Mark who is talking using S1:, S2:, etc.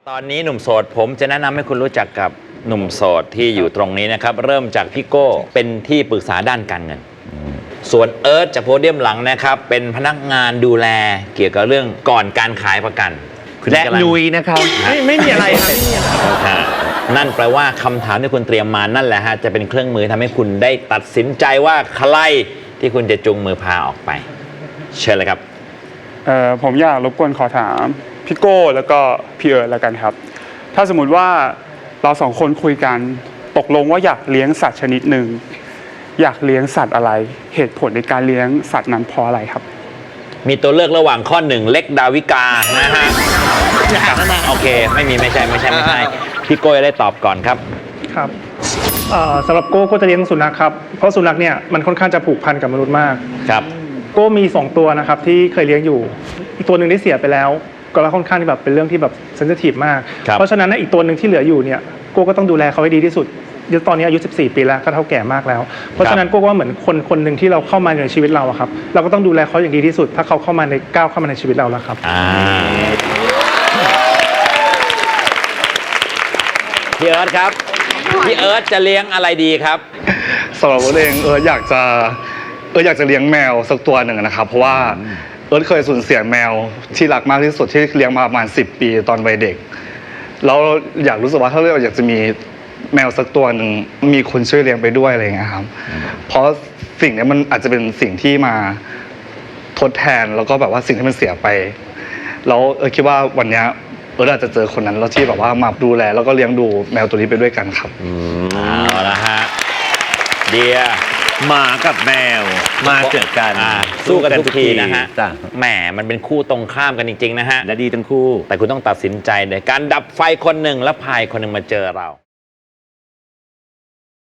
S1: ตอนนี้หนุ่มโสดผมจะแนะนำให้คุณรู้จักกับหนุ่มโสดที่อยู่ตรงนี้นะครับเริ่มจากพี่โก้เป็นที่ปรึกษาด้านการเงินส่วนเอิร์ธจากโพเดียมหลังนะครับเป็นพนักงานดูแลเกี่ยวกับเรื่องก่อนการขายประกัน
S2: และนุยนะครับไม่มีอะไรครับ
S1: นั่นแปลว่าคำถามที่คุณเตรียมมานั่นแหละฮะจะเป็นเครื่องมือทำให้คุณได้ตัดสินใจว่าใครที่คุณจะจูงมือพาออกไปเชิญเลยครับ
S3: ผมอยากรบกวนขอถามพี่โก้แล้วก็พี่เอิร์ธแล้วกันครับถ้าสมมุติว่าเราสองคนคุยกันตกลงว่าอยากเลี้ยงสัตว์ชนิดหนึ่งอยากเลี้ยงสัตว์อะไรเหตุผลในการเลี้ยงสัตว์นั้นเพราะอะไรครับ
S1: มีตัวเลือกระหว่างข้อหนึ่งเล็กดาวิกานะฮะโอเคไม่ใช่พี่โก้ได้ตอบก่อนครับ
S4: ครับสำหรับโก้ก็จะเลี้ยงสุนัขครับเพราะสุนัขเนี่ยมันค่อนข้างจะผูกพันกับมนุษย์มาก
S1: ครับ
S4: โก้มี2ตัวนะครับที่เคยเลี้ยงอยู่อีกตัวหนึ่งได้เสียไปแล้วก็แล้วค่อนข้างที่แบบเป็นเรื่องที่แบบเซนซิทีฟมากเพราะฉะนั้นอีกตัวหนึ่งที่เหลืออยู่เนี่ยโก้ก็ต้องดูแลเขาให้ดีที่สุดตอนนี้อายุ14 ปีแล้วก็เท่าแก่มากแล้วเพราะฉะนั้นโก้ว่าเหมือนคนหนึ่งที่เราเข้ามาในชีวิตเราครับเราก็ต้องดูแลเขาอย่างดีที่สุดถ้าเขาเข้ามาในก้าวเข้ามาในชีวิตเราแล้วครับ
S1: พี่เอิร์ธครับพี่เอิร์ธจะเลี้ยงอะไรดีครับ
S5: สำหรับเองอยากจะเลี้ยงแมวสักตัวหนึ่งนะครับเพราะว่าเคยสูญเสียแมวที่รักมากที่สุดที่เลี้ยงมาประมาณ10 ปีตอนวัยเด็กแล้วอยากรู้สึกว่าถ้าเราอยากจะมีแมวสักตัวหนึ่งมีคนช่วยเลี้ยงไปด้วยอะไรอย่างเงี้ยครับเพราะสิ่งนี้มันอาจจะเป็นสิ่งที่มาทดแทนแล้วก็แบบว่าสิ่งที่มันเสียไปแล้วคิดว่าวันนี้อาจจะเจอคนนั้นแล้วที่แบบว่ามาดูแลแล้วก็เลี้ยงดูแมวตัวนี้ไปด้วยกันครับ
S1: เอาละฮะเดีย
S2: หมากับแมวมาเจอกัน
S1: สู้กันทุกทีนะฮะแหมมันเป็นคู่ตรงข้ามกันจริงๆนะฮะ
S2: และดีทั้งคู่
S1: แต่คุณต้องตัดสินใจในการดับไฟคนหนึ่งและพายคนหนึ่งมาเจอเรา